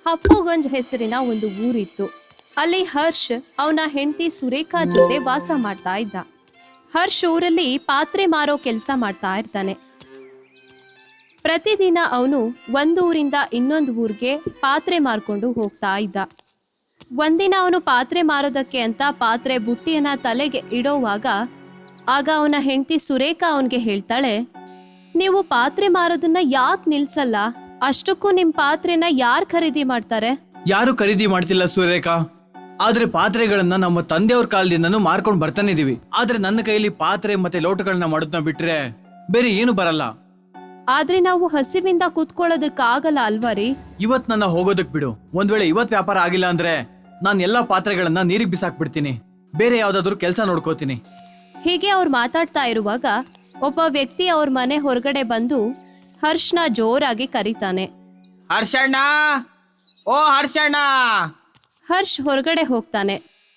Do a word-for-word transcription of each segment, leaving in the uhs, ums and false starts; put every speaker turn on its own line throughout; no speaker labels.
ಹಪ್ಪುಗಂಜ್ ಹೆಸರಿನ ಒಂದು ಊರಿತ್ತು. ಅಲ್ಲಿ ಹರ್ಷ್ ಅವನ ಹೆಂಡತಿ ಸುರೇಖಾ ಜೊತೆ ವಾಸ ಮಾಡ್ತಾ ಇದ್ದ. ಹರ್ಷ್ ಊರಲ್ಲಿ ಪಾತ್ರೆ ಮಾರೋ ಕೆಲಸ ಮಾಡ್ತಾ ಇರ್ತಾನೆ. ಪ್ರತಿದಿನ ಅವನು ಒಂದು ಊರಿಂದ ಇನ್ನೊಂದು ಊರಿಗೆ ಪಾತ್ರೆ ಮಾರ್ಕೊಂಡು ಹೋಗ್ತಾ ಇದ್ದ. ಒಂದಿನ ಅವನು ಪಾತ್ರೆ ಮಾರೋದಕ್ಕೆ ಅಂತ ಪಾತ್ರೆ ಬುಟ್ಟಿಯನ್ನ ತಲೆಗೆ ಇಡೋವಾಗ ಆಗ ಅವನ ಹೆಂಡತಿ ಸುರೇಖಾ ಅವನಿಗೆ ಹೇಳ್ತಾಳೆ, ನೀವು ಪಾತ್ರೆ ಮಾರೋದನ್ನ ಯಾಕೆ ನಿಲ್ಸಲ್ಲ? ಅಷ್ಟಕ್ಕೂ ನಿಮ್ ಪಾತ್ರೆನ ಯಾರು ಖರೀದಿ ಮಾಡ್ತಾರೆ?
ಯಾರು ಖರೀದಿ ಮಾಡ್ತಿಲ್ಲ ಸುರೇಖಾ. ಆದ್ರೆ ಪಾತ್ರೆಗಳನ್ನ ನಮ್ಮ ತಂದೆಯವ್ರ ಕಾಲದಿಂದನೂ ಮಾರ್ಕೊಂಡು ಬರ್ತಾನೆ ಇದೀವಿ. ಆದ್ರೆ ನನ್ನ ಕೈಲಿ ಪಾತ್ರೆ ಮತ್ತೆ ಲೋಟಗಳನ್ನ ಮಾಡೋದನ್ನ ಬಿಟ್ರೆ ಬೇರೆ ಏನು ಬರಲ್ಲ.
ಆದ್ರೆ ನಾವು ಹಸಿವಿಂದ ಕೂತ್ಕೊಳ್ಳೋದಕ್ಕಾಗಲ್ಲ ಅಲ್ವಾ ರೀ?
ಇವತ್ ನನ್ನ ಹೋಗೋದಕ್ ಬಿಡು. ಒಂದ್ ವೇಳೆ ಇವತ್ ವ್ಯಾಪಾರ ಆಗಿಲ್ಲ ಅಂದ್ರೆ ನಾನ್ ಎಲ್ಲಾ ಪಾತ್ರೆಗಳನ್ನ ನೀರಿಗೆ ಬಿಸಾಕ್ಬಿಡ್ತೀನಿ. ಬೇರೆ ಯಾವ್ದಾದ್ರು ಕೆಲಸ ನೋಡ್ಕೋತೀನಿ.
ಹೀಗೆ ಅವ್ರು ಮಾತಾಡ್ತಾ ಇರುವಾಗ ಒಬ್ಬ ವ್ಯಕ್ತಿ ಅವ್ರ ಮನೆ ಹೊರಗಡೆ ಬಂದು ಹರ್ಷ್ನ ಜೋರಾಗಿ ಕರೀತಾನೆ.
ಹರ್ಷಣ್ಣ, ಓ ಹರ್ಷಣ್ಣ.
ಹರ್ಷ್ ಹೊರಗಡೆ ಹೋಗ್ತಾನೆ.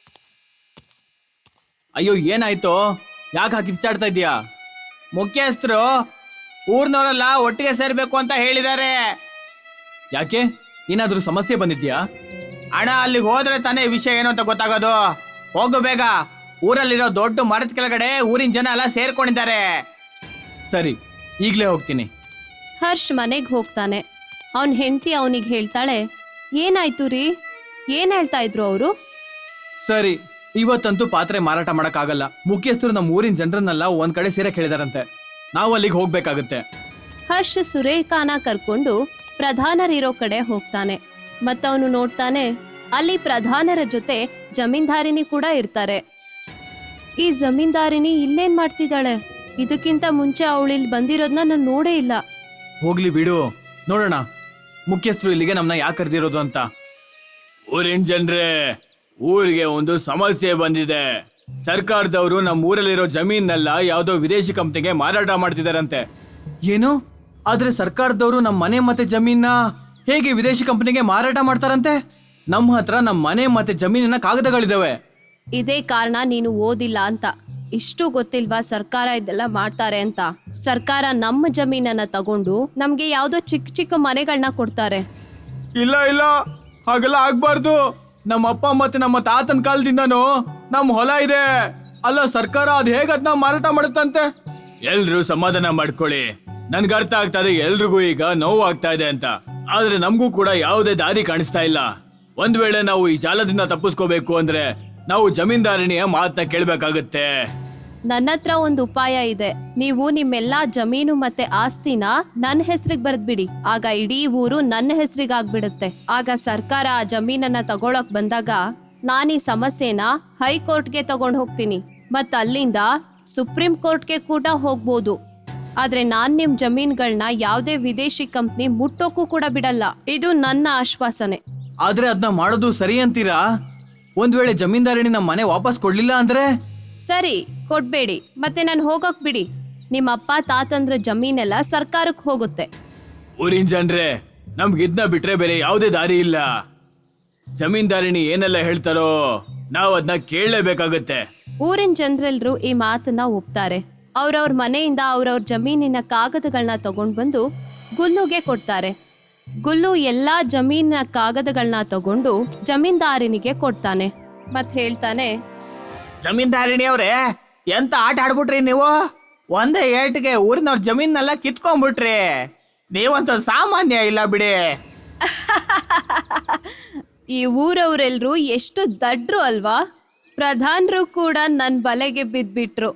ಅಯ್ಯೋ ಏನಾಯ್ತು? ಯಾಕೆ ಹಾಕಿ ಕಿಚ್ಚಾಡ್ತಾ ಇದೀಯಾ? ಮುಖ್ಯಸ್ಥರು ಊರ್ನವರೆಲ್ಲ ಒಟ್ಟಿಗೆ ಸೇರ್ಬೇಕು ಅಂತ ಹೇಳಿದ್ದಾರೆ. ಯಾಕೆ? ಏನಾದ್ರೂ ಸಮಸ್ಯೆ ಬಂದಿದ್ಯಾ? ಅಣ್ಣ, ಅಲ್ಲಿಗೆ ಹೋದ್ರೆ ತಾನೇ ವಿಷಯ ಏನು ಅಂತ ಗೊತ್ತಾಗೋದು. ಹೋಗು ಬೇಗ. ಊರಲ್ಲಿರೋ ದೊಡ್ಡ ಮರದ ಕೆಳಗಡೆ ಊರಿನ ಜನ ಎಲ್ಲ ಸೇರ್ಕೊಂಡಿದ್ದಾರೆ. ಸರಿ, ಈಗ್ಲೇ ಹೋಗ್ತೀನಿ.
ಹರ್ಷ್ ಮನೆಗ್ ಹೋಗ್ತಾನೆ. ಅವನ್ ಹೆಂಡತಿ ಅವನಿಗೆ ಹೇಳ್ತಾಳೆ, ಏನಾಯ್ತು ರೀ? ಏನ್ ಹೇಳ್ತಾ ಇದ್ರು ಅವರು?
ಸರಿ, ಇವತ್ತಂತೂ ಪಾತ್ರೆ ಮಾರಾಟ ಮಾಡಕ್ ಆಗಲ್ಲ. ಮುಖ್ಯಸ್ಥರು ನಮ್ಮ ಊರಿನ ಜನರನ್ನೆಲ್ಲ ಒಂದ್ ಕಡೆ ಸೇರಕ್ ಹೇಳಿದಾರಂತೆ. ನಾವು ಅಲ್ಲಿಗೆ ಹೋಗ್ಬೇಕಾಗುತ್ತೆ.
ಹರ್ಷ್ ಸುರೇಖಾನ ಕರ್ಕೊಂಡು ಪ್ರಧಾನರಿರೋ ಕಡೆ ಹೋಗ್ತಾನೆ. ಮತ್ತವನು ನೋಡ್ತಾನೆ, ಅಲ್ಲಿ ಪ್ರಧಾನರ ಜೊತೆ ಜಮೀನ್ದಾರಿನಿ ಕೂಡ ಇರ್ತಾರೆ. ಈ ಜಮೀನ್ದಾರಿನಿ ಇಲ್ಲೇನ್ ಮಾಡ್ತಿದ್ದಾಳೆ? ಇದಕ್ಕಿಂತ ಮುಂಚೆ ಅವಳಿಲ್ ಬಂದಿರೋದನ್ನ ನಾನು ನೋಡೇ ಇಲ್ಲ.
ಹೋಗ್ಲಿ ಬಿಡು, ನೋಡೋಣ ಮುಖ್ಯಸ್ಥರು ಇಲ್ಲಿಗೆ ನಮ್ನ ಯಾಕೆ ಕರೆದಿರೋದು ಅಂತ. ಊರಿನ ಜನರೇ, ಊರಿಗೆ ಒಂದು ಸಮಸ್ಯೆ ಬಂದಿದೆ. ಸರ್ಕಾರದವರು ನಮ್ಮ ಊರಲ್ಲಿರೋ ಜಮೀನೆಲ್ಲ ಯಾವ್ದೋ ವಿದೇಶಿ ಕಂಪ್ನಿಗೆ ಮಾರಾಟ ಮಾಡ್ತಿದಾರಂತೆ. ಏನು? ಆದ್ರೆ ಸರ್ಕಾರದವರು ನಮ್ಮ ಮನೆ ಮತ್ತೆ ಜಮೀನ ಹೇಗೆ ವಿದೇಶಿ ಕಂಪ್ನಿಗೆ ಮಾರಾಟ ಮಾಡ್ತಾರಂತೆ? ನಮ್ಮ ಹತ್ರ ನಮ್ಮ ಮನೆ ಮತ್ತೆ ಜಮೀನಿನ ಕಾಗದಗಳಿದಾವೆ.
ಇದೇ ಕಾರಣ ನೀನು ಓದಿಲ್ಲ ಅಂತ. ಇಷ್ಟು ಗೊತ್ತಿಲ್ವಾ ಸರ್ಕಾರ ಇದೆಲ್ಲ ಮಾಡ್ತಾರೆ ಅಂತ? ಸರ್ಕಾರ ನಮ್ಮ ಜಮೀನನ್ನ ತಗೊಂಡು ನಮ್ಗೆ ಯಾವ್ದೋ ಚಿಕ್ಕ ಚಿಕ್ಕ ಮನೆಗಳನ್ನ ಕೊಡ್ತಾರೆ.
ಇಲ್ಲ ಇಲ್ಲ, ಹಾಗೆಲ್ಲ ಆಗ್ಬಾರ್ದು. ನಮ್ಮ ಅಪ್ಪ ಮತ್ತೆ ನಮ್ಮ ತಾತನ ಕಾಲದಿಂದನೂ ನಮ್ಮ ಹೊಲ ಇದೆ. ಅಲ್ಲ, ಸರ್ಕಾರ ಅದ್ ಹೇಗ ಅದನ್ನ ಮಾರಾಟ ಮಾಡುತ್ತಂತೆ? ಎಲ್ರು ಸಮಾಧಾನ ಮಾಡ್ಕೊಳ್ಳಿ. ನನ್ಗೆ ಅರ್ಥ ಆಗ್ತಾ ಇದೆ ಎಲ್ರಿಗೂ ಈಗ ನೋವು ಆಗ್ತಾ ಇದೆ ಅಂತ. ಆದ್ರೆ ನಮಗೂ ಕೂಡ ಯಾವುದೇ ದಾರಿ ಕಾಣಿಸ್ತಾ ಇಲ್ಲ. ಒಂದ್ ವೇಳೆ ನಾವು ಈ ಜಾಲದಿಂದ ತಪ್ಪಿಸ್ಕೋಬೇಕು ಅಂದ್ರೆ ನಾವು ಜಮೀನ್ದಾರಣಿಯ ಮಾತನ್ನ ಕೇಳ್ಬೇಕಾಗತ್ತೆ.
ನನ್ನ ಹತ್ರ ಒಂದು ಉಪಾಯ ಇದೆ. ನೀವು ನಿಮ್ಮೆಲ್ಲಾ ಜಮೀನು ಮತ್ತೆ ಆಸ್ತಿನ ನನ್ನ ಹೆಸರಿಗೆ ಬರೆದ್ಬಿಡಿ. ಆಗ ಇಡೀ ಊರು ನನ್ನ ಹೆಸರಿಗೆ ಆಗ್ಬಿಡುತ್ತೆ. ಆಗ ಸರ್ಕಾರ ಆ ಜಮೀನನ್ನ ತಗೊಳಕ್ ಬಂದಾಗ ನಾನು ಈ ಸಮಸ್ಯೆನ ಹೈಕೋರ್ಟ್ಗೆ ತಗೊಂಡ್ ಹೋಗ್ತೀನಿ. ಮತ್ ಅಲ್ಲಿಂದ ಸುಪ್ರೀಂ ಕೋರ್ಟ್ಗೆ ಕೂಡ ಹೋಗ್ಬೋದು. ಆದ್ರೆ ನಾನ್ ನಿಮ್ ಜಮೀನ್ಗಳನ್ನ ಯಾವ್ದೇ ವಿದೇಶಿ ಕಂಪ್ನಿ ಮುಟ್ಟೋಕ್ಕೂ ಕೂಡ ಬಿಡಲ್ಲ. ಇದು ನನ್ನ ಆಶ್ವಾಸನೆ.
ಆದ್ರೆ ಅದನ್ನ ಮಾಡೋದು ಸರಿ ಅಂತೀರಾ? ಒಂದ್ ವೇಳೆ ಜಮೀನ್ದಾರಣಿ ನಮ್ಮ ಮನೆ ವಾಪಸ್ ಕೊಡ್ಲಿಲ್ಲ ಅಂದ್ರೆ?
ಸರಿ, ಕೊಡ್ಬೇಡಿ, ಮತ್ತೆ ನಾನು ಹೋಗಕ್ ಬಿಡಿ. ನಿಮ್ಮ ಅಪ್ಪ ತಾತಂದ್ರ ಜಮೀನೆಲ್ಲ ಸರ್ಕಾರಕ್ಕೆ ಹೋಗುತ್ತೆ.
ಊರಿನ ಜನರೇ, ನಮ್ಗೆ ಇದನ್ನ ಬಿಟ್ರೆ ಬೇರೆ ಯಾವುದೇ ದಾರಿ ಇಲ್ಲ. ಜಮೀನ್ದಾರಿಣಿ ಏನೆಲ್ಲ ಹೇಳ್ತಾರೋ ನಾವು ಅದನ್ನ ಕೇಳಲೇಬೇಕಾಗತ್ತೆ.
ಊರಿನ ಜನರೆಲ್ಲರೂ ಈ ಮಾತನ್ನ ಒಪ್ತಾರೆ. ಅವ್ರವ್ರ ಮನೆಯಿಂದ ಅವ್ರವ್ರ ಜಮೀನಿನ ಕಾಗದಗಳನ್ನ ತಗೊಂಡ್ ಬಂದು ಗುಲ್ಲುಗೆ ಕೊಡ್ತಾರೆ. ಗುಲ್ಲು ಎಲ್ಲಾ ಜಮೀನಿನ ಕಾಗದಗಳನ್ನ ತಗೊಂಡು ಜಮೀನ್ದಾರಿನಿಗೆ ಕೊಡ್ತಾನೆ. ಮತ್ ಹೇಳ್ತಾನೆ,
ಜಮೀನ್ದಾರಿಣಿ ಅವ್ರೆ, ಎಂತ ಆಟ ಆಡ್ಬಿಟ್ರಿ ನೀವು? ಒಂದೇ ಏಟಿಗೆ ಊರಿನವ್ರ ಜಮೀನೆಲ್ಲ ಕಿತ್ಕೊಂಡ್ಬಿಟ್ರಿ. ನೀವಂತ ಸಾಮಾನ್ಯ ಇಲ್ಲ ಬಿಡಿ.
ಈ ಊರವರೆಲ್ರು ಎಷ್ಟು ದಡ್ರು ಅಲ್ವಾ? ಪ್ರಧಾನರು ಕೂಡ ನನ್ ಬಲೆಗೆ ಬಿದ್ಬಿಟ್ರು.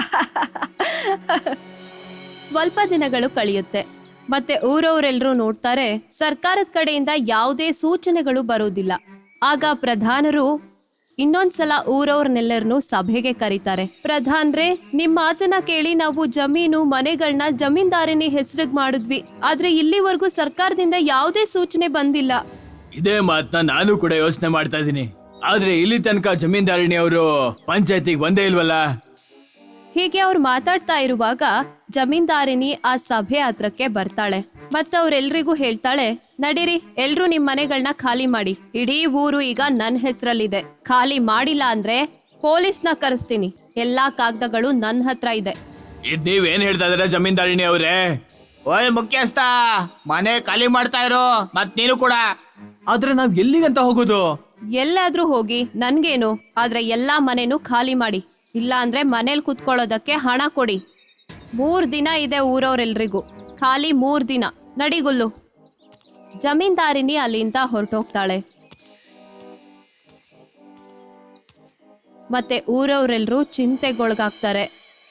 ಸ್ವಲ್ಪ ದಿನಗಳು ಕಳೆಯುತ್ತೆ. ಮತ್ತೆ ಊರವರೆಲ್ಲರೂ ನೋಡ್ತಾರೆ, ಸರ್ಕಾರದ ಕಡೆಯಿಂದ ಯಾವುದೇ ಸೂಚನೆಗಳು ಬರೋದಿಲ್ಲ. ಆಗ ಪ್ರಧಾನರು ಇನ್ನೊಂದ್ಸಲ ಊರವ್ರನ್ನೆಲ್ಲರನ್ನು ಸಭೆಗೆ ಕರೀತಾರೆ. ಪ್ರಧಾನ್ರೆ, ನಿಮ್ ಮಾತನ್ನ ಕೇಳಿ ನಾವು ಜಮೀನು ಮನೆಗಳನ್ನ ಜಮೀನ್ದಾರಿನಿ ಹೆಸರಿಗೆ ಮಾಡಿದ್ವಿ. ಆದ್ರೆ ಇಲ್ಲಿವರೆಗೂ ಸರ್ಕಾರದಿಂದ ಯಾವುದೇ ಸೂಚನೆ ಬಂದಿಲ್ಲ.
ಇದೇ ಮಾತನ್ನ ನಾನು ಕೂಡ ಯೋಚನೆ ಮಾಡ್ತಾ ಇದೀನಿ. ಆದ್ರೆ ಇಲ್ಲಿ ತನಕ ಜಮೀನ್ದಾರಿಣಿ ಅವರು ಪಂಚಾಯತಿಗೆ ಬಂದೇ ಇಲ್ವಲ್ಲ.
ಹೀಗೆ ಅವ್ರು ಮಾತಾಡ್ತಾ ಇರುವಾಗ ಜಮೀನ್ದಾರಿನಿ ಆ ಸಭೆ ಹತ್ರಕ್ಕೆ ಬರ್ತಾಳೆ. ಮತ್ತೆ ಅವ್ರೆಲ್ರಿಗೂ ಹೇಳ್ತಾಳೆ, ನಡೀರಿ, ಎಲ್ರೂ ನಿಮ್ ಮನೆಗಳನ್ನ ಖಾಲಿ ಮಾಡಿ. ಇಡೀ ಊರು ಈಗ ನನ್ ಹೆಸರಲ್ಲಿದೆ. ಖಾಲಿ ಮಾಡಿಲ್ಲ ಅಂದ್ರೆ ಪೊಲೀಸ್ನ ಕರೆಸ್ತೀನಿ. ಎಲ್ಲಾ ಕಾಗದಗಳು ನನ್ ಹತ್ರ ಇದೆ.
ಇದ್ ನೀವೇನ್ ಹೇಳ್ತಾ ಇದೀರ ಜಮೀನ್ದಾರಿಣಿ ಅವ್ರೆ? ಓಯ್ ಮುಖ್ಯಸ್ಥ, ಮನೆ ಖಾಲಿ ಮಾಡ್ತಾ ಇರೋ. ಮತ್ ನೀನು ಕೂಡ ಆದ್ರೆ ನಾವ್ ಎಲ್ಲಿಗಂತ ಹೋಗೋದು?
ಎಲ್ಲಾದ್ರೂ ಹೋಗಿ ನನ್ಗೇನು, ಆದ್ರೆ ಎಲ್ಲಾ ಮನೆನೂ ಖಾಲಿ ಮಾಡಿ, ಇಲ್ಲ ಅಂದ್ರೆ ಮನೇಲಿ ಕುತ್ಕೊಳ್ಳೋದಕ್ಕೆ ಹಣ ಕೊಡಿ. ಮೂರ್ ದಿನ ಇದೆ ಊರವ್ರೆಲ್ರಿಗೂ, ಖಾಲಿ ಮೂರ್ ದಿನ. ನಡಿಗುಲ್ಲು. ಜಮೀನ್ದಾರಿನಿ ಅಲ್ಲಿಂದ ಹೊರಟೋಗ್ತಾಳೆ. ಮತ್ತೆ ಊರವ್ರೆಲ್ರೂ ಚಿಂತೆಗೊಳಗಾಗ್ತಾರೆ.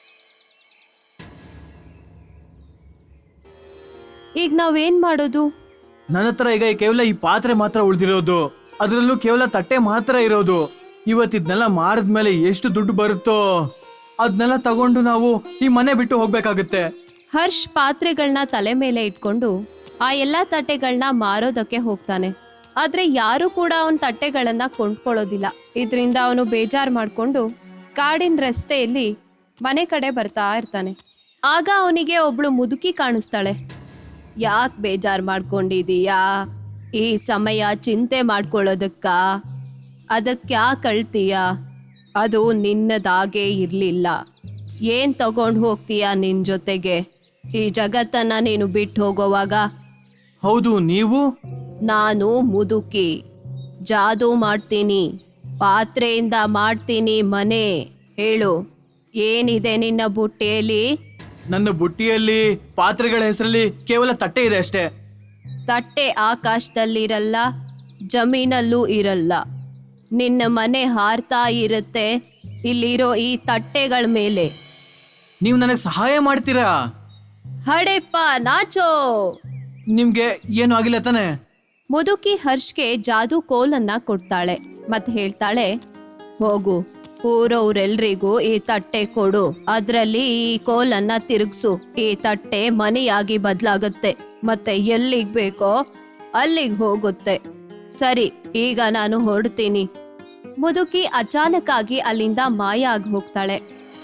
ಈಗ ನಾವೇನ್ ಮಾಡೋದು?
ನನ್ನ ಹತ್ರ ಈಗ ಕೇವಲ ಈ ಪಾತ್ರೆ ಮಾತ್ರ ಉಳಿದಿರೋದು, ಅದರಲ್ಲೂ ಕೇವಲ ತಟ್ಟೆ ಮಾತ್ರ ಇರೋದು. ಇವತ್ತಿದ್ನೆಲ್ಲ ಮಾರಿದ್ಮೇಲೆ ಎಷ್ಟು ದುಡ್ಡು ಬರುತ್ತೋ ಅದನ್ನೆಲ್ಲ ತಗೊಂಡು ನಾವು ಈ ಮನೆ ಬಿಟ್ಟು ಹೋಗ್ಬೇಕಾಗತ್ತೆ.
ಹರ್ಷ್ ಪಾತ್ರೆಗಳನ್ನ ತಲೆ ಮೇಲೆ ಇಟ್ಕೊಂಡು ಆ ಎಲ್ಲಾ ತಟ್ಟೆಗಳನ್ನ ಮಾರೋದಕ್ಕೆ ಹೋಗ್ತಾನೆ. ಆದ್ರೆ ಯಾರು ಕೂಡ ಅವನ ತಟ್ಟೆಗಳನ್ನ ಕೊಂಡ್ಕೊಳ್ಳೋದಿಲ್ಲ. ಇದರಿಂದ ಅವನು ಬೇಜಾರ್ ಮಾಡ್ಕೊಂಡು ಕಾಡಿನ ರಸ್ತೆಯಲ್ಲಿ ಮನೆ ಕಡೆ ಬರ್ತಾ ಇರ್ತಾನೆ. ಆಗ ಅವನಿಗೆ ಒಬ್ಳು ಮುದುಕಿ ಕಾಣಿಸ್ತಾಳೆ. ಯಾಕೆ ಬೇಜಾರ್ ಮಾಡ್ಕೊಂಡಿದೀಯಾ? ಈ ಸಮಯ ಚಿಂತೆ ಮಾಡ್ಕೊಳ್ಳೋದಕ್ಕ? ಅದಕ್ಕೆ ಯಾಕೆ ಅಳ್ತೀಯ? ಅದು ನಿನ್ನದಾಗೇ ಇರಲಿಲ್ಲ. ಏನು ತಗೊಂಡು ಹೋಗ್ತೀಯಾ ನಿನ್ನ ಜೊತೆಗೆ? ಈ ಜಗತ್ತನ್ನ ನೀನು ಬಿಟ್ಟು ಹೋಗೋವಾಗ.
ಹೌದು, ನೀವು?
ನಾನು ಮುದುಕಿ, ಜಾದೂ ಮಾಡ್ತೀನಿ, ಪಾತ್ರೆಯಿಂದ ಮಾಡ್ತೀನಿ ಮನೆ. ಹೇಳು, ಏನಿದೆ ನಿನ್ನ ಬುಟ್ಟಿಯಲ್ಲಿ?
ನನ್ನ ಬುಟ್ಟಿಯಲ್ಲಿ ಪಾತ್ರೆಗಳ ಹೆಸರಲ್ಲಿ ಕೇವಲ ತಟ್ಟೆ ಇದೆ ಅಷ್ಟೇ.
ತಟ್ಟೆ ಆಕಾಶದಲ್ಲಿರಲ್ಲ, ಜಮೀನಲ್ಲೂ ಇರಲ್ಲ. ನಿನ್ನ ಮನೆ ಹಾರ್ತಾ ಇರುತ್ತೆ ಇಲ್ಲಿರೋ ಈ ತಟ್ಟೆಗಳ ಮೇಲೆ.
ನೀವು ನನಗೆ ಸಹಾಯ ಮಾಡ್ತೀರಾ?
ಹಡೆಪ್ಪ ನಾಚೋ.
ನಿಮ್ಗೆ ಏನು ಆಗಿಲ್ಲ ತಾನೆ?
ಮುದುಕಿ ಹರ್ಷ್ಗೆ ಜಾದೂ ಕೋಲನ್ನ ಕೊಡ್ತಾಳೆ ಮತ್ತೆ ಹೇಳ್ತಾಳೆ, ಹೋಗು, ಊರವ್ರೆಲ್ರಿಗೂ ಈ ತಟ್ಟೆ ಕೊಡು, ಅದ್ರಲ್ಲಿ ಈ ಕೋಲನ್ನ ತಿರುಗ್ಸು. ಈ ತಟ್ಟೆ ಮನೆಯಾಗಿ ಬದಲಾಗುತ್ತೆ ಮತ್ತೆ ಎಲ್ಲಿಗ್ ಬೇಕೋ ಅಲ್ಲಿಗೆ ಹೋಗುತ್ತೆ. ಸರಿ, ಈಗ ನಾನು ಹೊರಡ್ತೀನಿ. ಮುದುಕಿ ಅಚಾನಕ್ ಆಗಿ ಅಲ್ಲಿಂದ ಮಾಯ ಆಗಿ ಹೋಗ್ತಾಳೆ.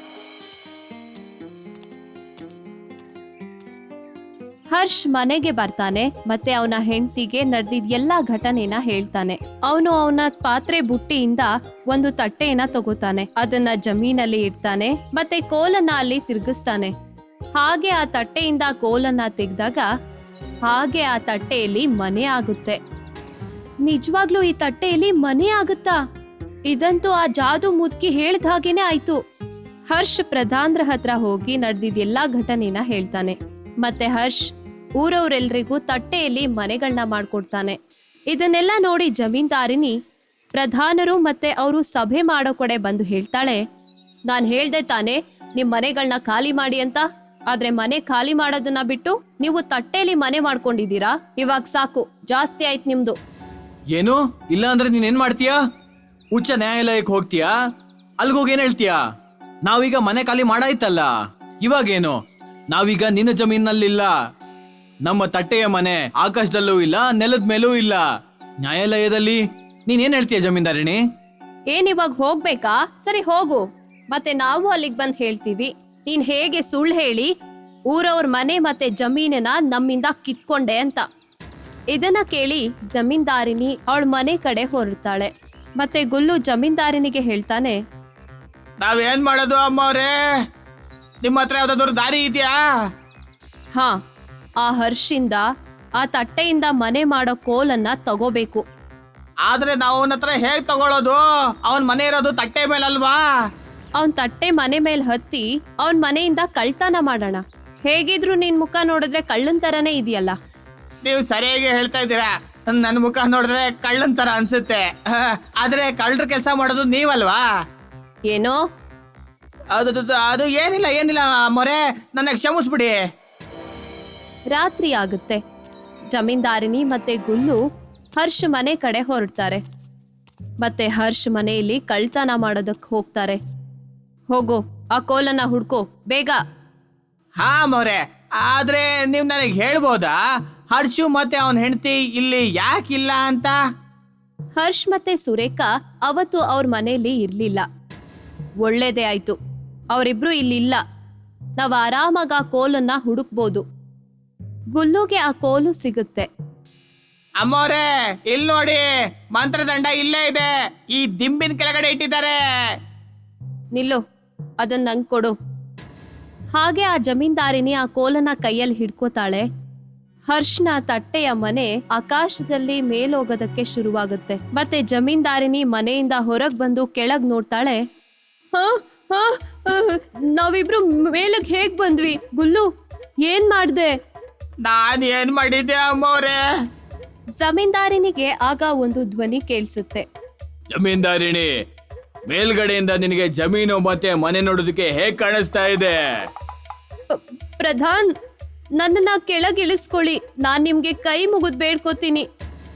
ಹರ್ಷ್ ಮನೆಗೆ ಬರ್ತಾನೆ ಮತ್ತೆ ಅವನ ಹೆಂಡತಿಗೆ ನಡೆದಿದ್ ಎಲ್ಲಾ ಘಟನೆನ ಹೇಳ್ತಾನೆ. ಅವನು ಅವನ ಪಾತ್ರೆ ಬುಟ್ಟಿಯಿಂದ ಒಂದು ತಟ್ಟೆಯನ್ನ ತಗೋತಾನೆ, ಅದನ್ನ ಜಮೀನಲ್ಲಿ ಇಡ್ತಾನೆ ಮತ್ತೆ ಕೋಲನ್ನ ಅಲ್ಲಿ ತಿರುಗಿಸ್ತಾನೆ. ಹಾಗೆ ಆ ತಟ್ಟೆಯಿಂದ ಕೋಲನ್ನ ತೆಗೆದಾಗ ಹಾಗೆ ಆ ತಟ್ಟೆಯಲ್ಲಿ ಮನೆ ಆಗುತ್ತೆ. ನಿಜವಾಗ್ಲೂ ಈ ತಟ್ಟೆಯಲ್ಲಿ ಮನೆ ಆಗುತ್ತಾ? ಇದಂತೂ ಆ ಜಾದು ಮುದುಕಿ ಹೇಳ್ದ ಹಾಗೇನೆ ಆಯ್ತು. ಹರ್ಷ್ ಪ್ರಧಾನ್ರ ಹತ್ರ ಹೋಗಿ ನಡೆದಿದ್ ಎಲ್ಲಾ ಘಟನೆನ ಹೇಳ್ತಾನೆ. ಮತ್ತೆ ಹರ್ಷ್ ಊರವ್ರೆಲ್ರಿಗೂ ತಟ್ಟೆಯಲ್ಲಿ ಮನೆಗಳನ್ನ ಮಾಡ್ಕೊಡ್ತಾನೆ. ಇದನ್ನೆಲ್ಲ ನೋಡಿ ಜಮೀನ್ದಾರಿನಿ ಪ್ರಧಾನರು ಮತ್ತೆ ಅವರು ಸಭೆ ಮಾಡೋ ಕಡೆ ಬಂದು ಹೇಳ್ತಾಳೆ, ನಾನ್ ಹೇಳ್ದೆ ತಾನೆ ನಿಮ್ ಮನೆಗಳನ್ನ ಖಾಲಿ ಮಾಡಿ ಅಂತ, ಆದ್ರೆ ಮನೆ ಖಾಲಿ ಮಾಡೋದನ್ನ ಬಿಟ್ಟು ನೀವು ತಟ್ಟೆಯಲ್ಲಿ ಮನೆ ಮಾಡ್ಕೊಂಡಿದ್ದೀರಾ. ಇವಾಗ ಸಾಕು, ಜಾಸ್ತಿ ಆಯ್ತು ನಿಮ್ದು.
ಏನು? ಇಲ್ಲ ಅಂದ್ರೆ ನೀನ್ ಏನ್ ಮಾಡ್ತೀಯಾ? ಉಚ್ಚ ನ್ಯಾಯಾಲಯಕ್ಕೆ ಹೋಗ್ತೀಯಾ? ಅಲ್ಗೋಗಿ ಏನ್ ಹೇಳ್ತೀಯಾ? ನಾವೀಗ ಮನೆ ಖಾಲಿ ಮಾಡಾಯ್ತಲ್ಲ, ಇವಾಗೇನು? ನಾವೀಗ ನಿನ್ನ ಜಮೀನಲ್ಲಿಲ್ಲ. ನಮ್ಮ ತಟ್ಟೆಯ ಮನೆ ಆಕಾಶದಲ್ಲೂ ಇಲ್ಲ, ನೆಲದ ಮೇಲೂ ಇಲ್ಲ. ನ್ಯಾಯಾಲಯದಲ್ಲಿ ನೀನ್ ಏನ್ ಹೇಳ್ತೀಯ ಜಮೀನ್ದಾರಿಣಿ?
ಏನ್ ಇವಾಗ ಹೋಗ್ಬೇಕಾ? ಸರಿ ಹೋಗು, ಮತ್ತೆ ನಾವು ಅಲ್ಲಿಗೆ ಬಂದ್ ಹೇಳ್ತೀವಿ ನೀನ್ ಹೇಗೆ ಸುಳ್ಳು ಹೇಳಿ ಊರವ್ರ ಮನೆ ಮತ್ತೆ ಜಮೀನನ್ನ ನಮ್ಮಿಂದ ಕಿತ್ಕೊಂಡೆ ಅಂತ. ಇದನ್ನ ಕೇಳಿ ಜಮೀನ್ದಾರಿನಿ ಅವಳ ಮನೆ ಕಡೆ ಹೊರಡ್ತಾಳೆ. ಮತ್ತೆ ಗುಲ್ಲು ಜಮೀನ್ದಾರಿನಿಗೆ ಹೇಳ್ತಾನೆ,
ನಾವೇನ್ ಮಾಡೋದು ಅಮ್ಮವ್ರೆ? ನಿಮ್ಮ ಹತ್ರ ಯಾವ್ದಾದ್ರು ದಾರಿ ಇದೆಯಾ?
ಹಾ, ಆ ಹರ್ಷಿಂದ ಆ ತಟ್ಟೆಯಿಂದ ಮನೆ ಮಾಡೋ ಕೋಲನ್ನ ತಗೋಬೇಕು.
ಆದ್ರೆ ನಾವು ಅವನ ಹತ್ರ ಹೇಗ್ ತಗೊಳ್ಳೋದು? ಅವನ್ ಮನೆ ಇರೋದು ತಟ್ಟೆ ಮೇಲಲ್ವಾ?
ಅವನ್ ತಟ್ಟೆ ಮನೆ ಮೇಲೆ ಹತ್ತಿ ಅವನ್ ಮನೆಯಿಂದ ಕಳ್ತನ ಮಾಡೋಣ. ಹೇಗಿದ್ರು ನಿನ್ ಮುಖ ನೋಡಿದ್ರೆ ಕಳ್ಳನ್ ತರನೇ ಇದೆಯಲ್ಲ.
ನೀವು ಸರಿಯಾಗಿ ಹೇಳ್ತಾ ಇದ್ದೀರಾ. ನನ್ನ ಮುಖ ನೋಡಿದ್ರೆ ಕಳ್ಳನ್ ತರ ಅನ್ಸುತ್ತೆ, ಆದ್ರೆ ಕಳ್ಳರ ಕೆಲಸ ಮಾಡೋದು ನೀವಲ್ವಾ?
ಏನೋ?
ಅದು ಅದು ಏನಿಲ್ಲ ಏನಿಲ್ಲ ಮೊರೆ, ನನ್ನ ಕ್ಷಮಿಸ್ಬಿಡಿ.
ರಾತ್ರಿ ಆಗುತ್ತೆ. ಜಮೀನ್ದಾರಿನಿ ಮತ್ತೆ ಗುಲ್ಲು ಹರ್ಷ್ ಮನೆ ಕಡೆ ಹೊರಡ್ತಾರೆ. ಮತ್ತೆ ಹರ್ಷ್ ಮನೆಯಲ್ಲಿ ಕಳ್ತನ ಮಾಡೋದಕ್ಕೆ ಹೋಗ್ತಾರೆ. ಹೋಗೋ, ಆ ಕೋಲನ್ನ ಹುಡ್ಕೋ ಬೇಗ.
ಹಾ ಮೊರೆ, ಆದ್ರೆ ನೀವ್ ನನಗೆ ಹೇಳ್ಬೋದಾ ಹರ್ಷು ಮತ್ತೆ ಅವನ್ ಹೆಂಡತಿ ಇಲ್ಲಿ ಯಾಕಿಲ್ಲ ಅಂತ?
ಹರ್ಷ್ ಮತ್ತೆ ಸುರೇಖಾ ಅವತ್ತು ಅವ್ರ ಮನೆಯಲ್ಲಿ ಇರ್ಲಿಲ್ಲ. ಒಳ್ಳೇದೇ ಆಯ್ತು, ಅವರಿಬ್ರು ಇಲ್ಲಿಲ್ಲ. ನಾವ್ ಆರಾಮಾಗ ಆ ಕೋಲನ್ನ ಹುಡುಕ್ಬೋದು. ಗುಲ್ಲುಗೆ ಆ ಕೋಲು ಸಿಗುತ್ತೆ.
ಅಮ್ಮೋರೆ, ಇಲ್ಲಿ ನೋಡಿ, ಮಂತ್ರದಂಡ ಇಲ್ಲೇ ಇದೆ, ಈ ದಿಂಬಿನ ಕೆಳಗಡೆ ಇಟ್ಟಿದ್ದಾರೆ.
ನಿಲ್ಲು, ಅದನ್ನ ನಂಗೆ ಕೊಡು. ಹಾಗೆ ಆ ಜಮೀನ್ದಾರಿನಿ ಆ ಕೋಲನ್ನ ಕೈಯಲ್ಲಿ ಹಿಡ್ಕೋತಾಳೆ. ಹರ್ಷ್ನ ತಟ್ಟೆಯ ಮನೆ ಆಕಾಶದಲ್ಲಿ ಮೇಲೋಗೋದಕ್ಕೆ ಶುರುವಾಗುತ್ತೆ. ಮತ್ತೆ ಜಮೀನ್ದಾರಿನಿ ಮನೆಯಿಂದ ಹೊರಗ್ ಬಂದು ಕೆಳಗ್ ನೋಡ್ತಾಳೆ. ಹಾ ಹಾ ನಾವಿಬ್ರು ಮೇಲಕ್ ಹೇಗ್ ಬಂದ್ವಿ? ಗುಲ್ಲು, ಏನ್ ಮಾಡ್ದೆ?
ನಾನ್ ಏನ್ ಮಾಡಿದ್ದೆ ಅಮ್ಮವ್ರೆ?
ಜಮೀನ್ದಾರಿನಿಗೆ ಆಗ ಒಂದು ಧ್ವನಿ ಕೇಳಿಸುತ್ತೆ.
ಜಮೀನ್ದಾರಿಣಿ, ಮೇಲ್ಗಡೆಯಿಂದ ನಿನಗೆ ಜಮೀನು ಮತ್ತೆ ಮನೆ ನೋಡೋದಕ್ಕೆ ಹೇಗ್ ಕಾಣಿಸ್ತಾ ಇದೆ?
ಪ- ಪ್ರಧಾನ್, ನನ್ನನ್ನ ಕೆಳಗಿಳಿಸ್ಕೊಳ್ಳಿ. ನಾನ್ ನಿಮ್ಗೆ ಕೈ ಮುಗಿದ್ ಬೇಡ್ಕೋತೀನಿ.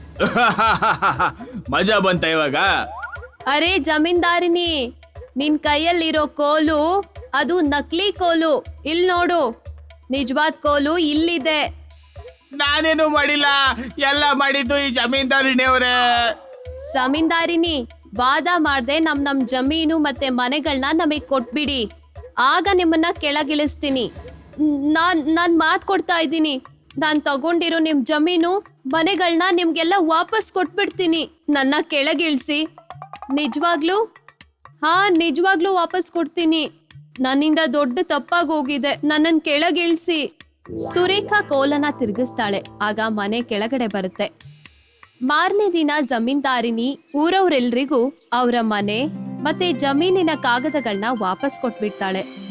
ಮಜಾ ಬಂತ ಇವಾಗ?
ಅರೆ ಜಮೀನ್ದಾರಿನಿ, ನಿನ್ ಕೈಯಲ್ಲಿರೋ ಕೋಲು ಅದು ನಕಲಿ ಕೋಲು. ಇಲ್ ನೋಡು, ನಿಜವಾದ ಕೋಲು ಇಲ್ಲಿದೆ.
ನಾನೇನು ಮಾಡಿಲ್ಲ, ಎಲ್ಲ ಮಾಡಿದ್ದು ಈ ಜಮೀನ್ದಾರಿಣಿ ಅವರೇ.
ಜಮೀನ್ದಾರಿನಿ, ವಾದ ಮಾಡ್ದೆ ನಮ್ ನಮ್ ಜಮೀನು ಮತ್ತೆ ಮನೆಗಳನ್ನ ನಮಗ್ ಕೊಟ್ಬಿಡಿ, ಆಗ ನಿಮ್ಮನ್ನ ಕೆಳಗಿಳಿಸ್ತೀನಿ. ನಾನ್ ನಾನ್ ಮಾತ್ ಕೊಡ್ತಾ ಇದ್ದೀನಿ, ನಾನ್ ತಗೊಂಡಿರೋ ನಿಮ್ ಜಮೀನು ಮನೆಗಳನ್ನ ನಿಮ್ಗೆಲ್ಲ ವಾಪಸ್ ಕೊಟ್ಬಿಡ್ತೀನಿ. ನನ್ನ ಕೆಳಗಿಳಿಸಿ. ನಿಜವಾಗ್ಲೂ? ಹಾ, ನಿಜವಾಗ್ಲೂ ವಾಪಸ್ ಕೊಡ್ತೀನಿ. ನನ್ನಿಂದ ದೊಡ್ಡ ತಪ್ಪಾಗಿ ಹೋಗಿದೆ, ನನ್ನನ್ ಕೆಳಗಿಳಿಸಿ. ಸುರೇಖಾ ಕೋಲನ ತಿರುಗಿಸ್ತಾಳೆ. ಆಗ ಮನೆ ಕೆಳಗಡೆ ಬರುತ್ತೆ. ಮಾರನೇ ದಿನ ಜಮೀನ್ದಾರಿನಿ ಊರವ್ರೆಲ್ರಿಗೂ ಅವರ ಮನೆ ಮತ್ತೆ ಜಮೀನಿನ ಕಾಗದಗಳನ್ನ ವಾಪಸ್ ಕೊಟ್ಬಿಡ್ತಾಳೆ.